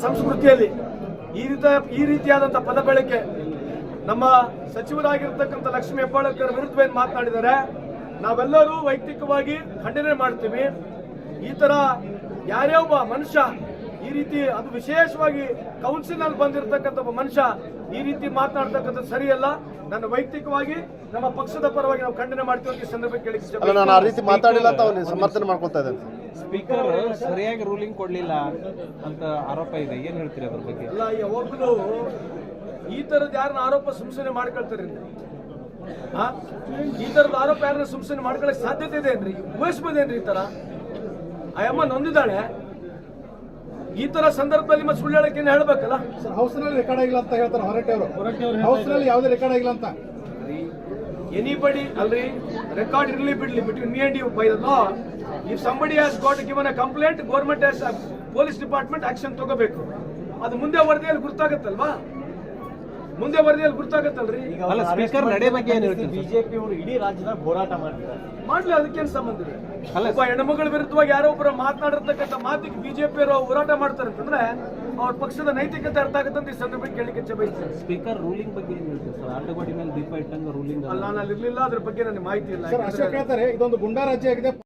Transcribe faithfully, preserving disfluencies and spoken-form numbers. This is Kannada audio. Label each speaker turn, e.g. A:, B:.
A: ಸಂಸ್ಕೃತಿಯಲ್ಲಿ ಈ ರೀತಿ ಈ ರೀತಿಯಾದಂಥ ಪದ ಬಳಕೆ ನಮ್ಮ ಸಚಿವರಾಗಿರ್ತಕ್ಕಂಥ ಲಕ್ಷ್ಮೀ ಹೆಬ್ಬಾಳಕರ್ ವಿರುದ್ಧ ಏನು ಮಾತನಾಡಿದ್ದಾರೆ ನಾವೆಲ್ಲರೂ ವೈಯಕ್ತಿಕವಾಗಿ ಖಂಡನೆ ಮಾಡ್ತೀವಿ. ಈ ತರ ಯಾರೇ ಒಬ್ಬ ಮನುಷ್ಯ ಈ ರೀತಿ ಅದು ವಿಶೇಷವಾಗಿ ಕೌನ್ಸಿಲ್ ಅಲ್ಲಿ ಬಂದಿರತಕ್ಕಂಥ ಒಬ್ಬ ಮನುಷ್ಯ ಈ ರೀತಿ ಮಾತನಾಡ್ತಕ್ಕಂಥದ್ದು ಸರಿಯಲ್ಲ. ನನ್ನ ವೈಯಕ್ತಿಕವಾಗಿ ನಮ್ಮ ಪಕ್ಷದ ಪರವಾಗಿ ನಾವು ಖಂಡನೆ ಮಾಡ್ತೀವಿ ಈ ಸಂದರ್ಭಕ್ಕೆ ಕೇಳಿಕ್ಕೆ
B: ನಾನು ಆ ರೀತಿ ಮಾತಾಡಿಲ್ಲ ಅಂತ ಅವ್ನು ಸಮರ್ಥನೆ ಮಾಡ್ಕೊಳ್ತಾ ಇದ್ದೇನೆ.
C: ಸ್ಪೀಕರ್ ಸರಿಯಾಗಿ ರೂಲಿಂಗ್ ಕೊಡ್ಲಿಲ್ಲ ಅಂತ ಆರೋಪ ಇದೆ, ಏನ್ ಹೇಳ್ತೀರಿ ಅದ್ರ ಬಗ್ಗೆ?
A: ಅಲ್ಲ, ಯಾವಾಗಲೂ ಈ ತರದ ಯಾರನ್ನ ಆರೋಪ ಸುಮ್ಸುನೆ ಮಾಡ್ಕೊಳ್ತಾರೆ ಈ ತರದ ಆರೋಪ ಯಾರನ್ನ ಸುಮ್ಸುನೆ ಮಾಡ್ಕೊಳ್ಳಕ್ ಸಾಧ್ಯತೆ ಇದೆ ಏನ್ರಿ? ಊಹಿಸ್ಬೋದೇನ್ರಿ? ಈ ತರ ಆ ಅಮ್ಮ ನೊಂದಿದ್ದಾಳೆ. ಈ ತರ ಸಂದರ್ಭದಲ್ಲಿ ಮತ್ತೆ ಸುಳ್ಳು ಹೇಳಕ್ಕೆ ಹೇಳ್ಬೇಕಲ್ಲ.
D: ಹೌಸ್ ನಲ್ಲಿ ರೆಕಾರ್ಡ್ ಆಗಿಲ್ಲ ಅಂತ ಹೇಳ್ತಾರೆ ಹೊರಟೆ ಅವರು. ಹೌಸ್ ನಲ್ಲಿ ಯಾವುದೇ ರೆಕಾರ್ಡ್ ಆಗಿಲ್ಲ ಅಂತ.
A: ಎನಿಬಡಿ ಅಲ್ರಿ, ರೆಕಾರ್ಡ್ ಇರ್ಲಿ ಬಿಡ್ಲಿ between me and you by the law. If somebody has got given a complaint, government has police department action ತಗೋಬೇಕು. ಅದು ಮುಂದೆ ವರದಿಯಲ್ಲಿ ಗುರ್ತಾಗತ್ತಲ್ವಾ? ಮುಂದೆ ವರದಿಯಲ್ಲಿ ಗುರ್ತಾಗತ್ತಲ್ರಿ.
C: ಅಲ್ಲ, ಸ್ಪೀಕರ್ ನಡೆ ಬಗ್ಗೆ ಏನ್ ಹೇಳ್ತೀರಿ?
E: ಬಿಜೆಪಿ ಅವರು ಇಡೀ ರಾಜ್ಯದಾಗ ಹೋರಾಟ ಮಾಡ್ತಾರೆ.
A: ಮಾಡ್ಲಿ, ಅದಕ್ಕೇನು ಸಂಬಂಧ ಇದೆ? ಒಬ್ಬ ಹೆಣ್ಮಗಳ ವಿರುದ್ಧವಾಗಿ ಯಾರೋ ಒಬ್ಬರು ಮಾತನಾಡಿರ್ತಕ್ಕಂಥ ಮಾತಿಗೆ ಬಿಜೆಪಿಯವರು ಹೋರಾಟ ಮಾಡ್ತಾರೆ ಅಂತಂದ್ರೆ ಅವ್ರ ಪಕ್ಷದ ನೈತಿಕತೆ ಅರ್ಥ ಆಗುತ್ತೆ ಅಂತ ಈ ಸಂದರ್ಭಕ್ಕೆ ಕೇಳಿಕೆ ಬಯಸ್ತೇನೆ.
C: ಸ್ಪೀಕರ್ ರೂಲಿಂಗ್ ಬಗ್ಗೆ ಏನ್ ಹೇಳ್ತೀರಿ ಸರ್? ಆಟಗೋಡಿ ಮೇಲೆ ದೀಪ ಇಟ್ಟಂಗ ರೂಲಿಂಗ್
A: ಅಲ್ಲ, ನಾನು ಇರ್ಲಿಲ್ಲ, ಅದ್ರ ಬಗ್ಗೆ ನನಗೆ ಮಾಹಿತಿ ಇಲ್ಲ.
D: ಅಶೋಕ್ ಹೇಳ್ತಾರೆ ಇದೊಂದು ಗುಂಡಾ ರಾಜ್ಯ ಆಗಿದೆ.